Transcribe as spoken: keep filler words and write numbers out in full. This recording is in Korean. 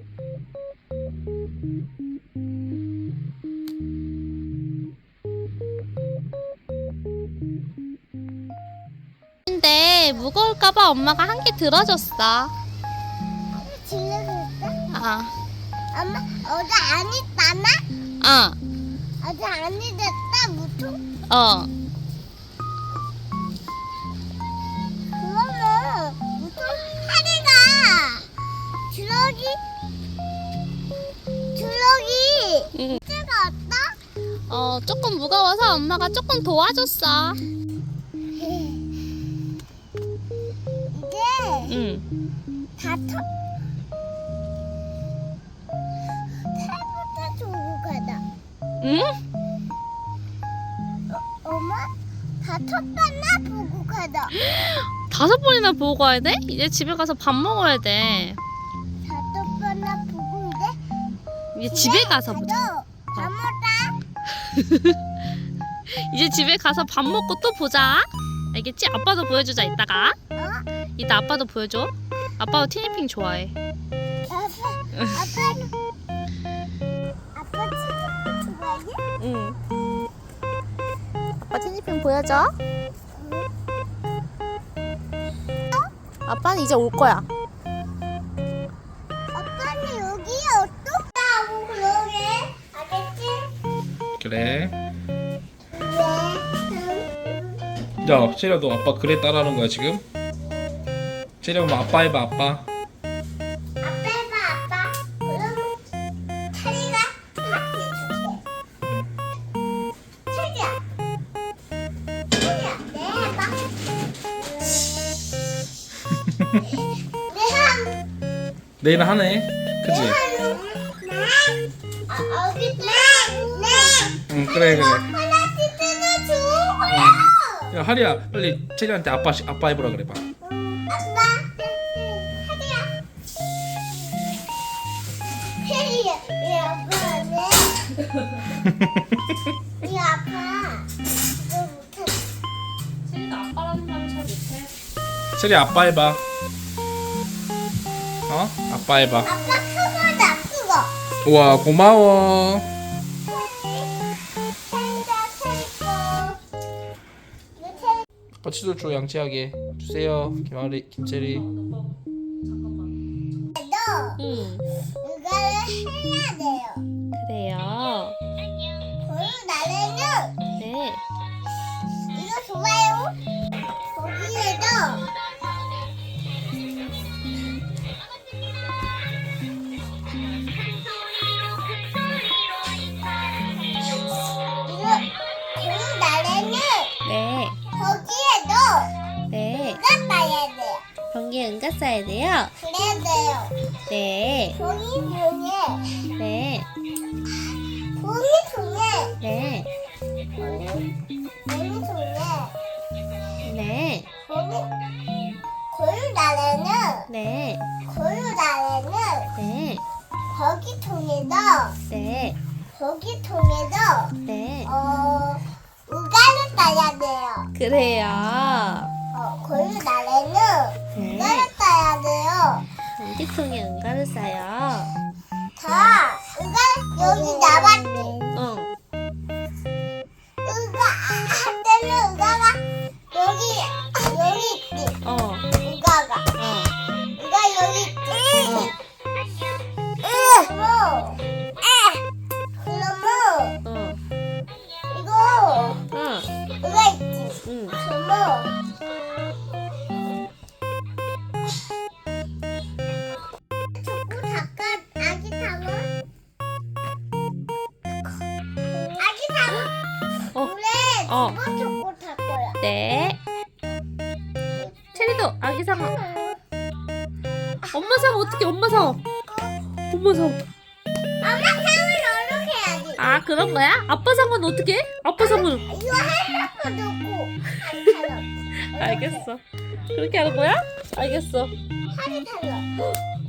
근데 무거울까봐 엄마가 한 개 들어줬어. 질러줬어? 아, 엄마 어제 안 있다나? 어, 어제 안 잊었다 무통? 어. 그러면 무통 하리가 주럭이 주럭이 응. 제가 왔다? 어, 조금 무거워서 엄마가 조금 도와줬어. 이게 응. 다 터. 살부터 주고 가다. 응? 엄마 다 쳤다나 보고 가다. 다섯 번이나 보고 가야 돼? 이제 집에 가서 밥 먹어야 돼. 다 쳤다나 보고 이제 이제 집에 가서 보자. 가서 밥 먹자. 이제 집에 가서 밥 먹고 또 보자. 알겠지? 아빠도 보여주자 이따가. 어? 이따 아빠도 보여줘. 아빠도 티니핑 좋아해. 아빠 아빠는 아빠 친구 좋아해? 응. 아빠 티니핑 보여줘. 아빠는 이제 올 거야. 아빠는 여기 어떻다고 그러게? 알겠지? 그래. 네. 야, 체리야, 너 아빠 그래 따라하는 거야 지금? 체리야, 그럼 아빠 해봐, 아빠. 아빠 해봐 아빠. 그럼 차리가 같이 줄게. 차리야. 차리야 네 해봐. 네 한. 내일 하네. 그치? 아, 여기 네. 응, 그래, 그래. 하나씩 뜯어줘. 야, 하리야, 빨리 체리한테 아빠, 시- 아빠 해보라 그래 봐. 아빠. 하리야. 혜리야. 이 아빠네. 이 아빠. 이거 못해. 체리도 아빠라는 말을 잘 못해. 체리 아빠 해봐. 어? 아빠 해봐. 아빠 크거다 크거. 우와, 고마워. 아빠 치솔 줘, 양치하게 주세요. 김하리, 김체리. 너 응. 이거를 해야 돼요. 그래요. 그리고 나래는 네. 이거 좋아요. 거기에도 이거 그리고 나래는 네. 거기에도 네. 이거 봐야 돼요. 변기에 응가 써야 돼요. 그래야 돼요. 네. 종이 종이 네. 종이 종이 네. 종이 종이 네. 종이 고유 나래는 네. 고유 나래는 네. 거기 통에서 네. 거기 통에서 네. 어 우가를 따야 돼요. 그래요. 어 고유 나래는 네. 우가를 따야 돼요. 전기통에 응가를 싸요. 다 우가 여기 나왔지. 응. 우가 할 때는 우가가 여기 여기 있지. 어. 우가가 어. 우가 여기 있지. 그러면 그러면 어. 이거 응. 우가 있지. 응. 그러면 자꾸 닦아 아기 탕어 아기 탕어 어. 물에 어. 두번 줬고 닦 거야. 네. 체리도 아기 상어. 엄마 상어 어떻게 엄마 상어? 엄마 상어. 엄마 탕을 어떻게 해야지? 아 그런 거야? 아빠 상어는 어떻게 해? 아빠 상어는. 이거 헬라고 넣고 한 알겠어. 그렇게 하는 거야? 알겠어. 탈로 탈로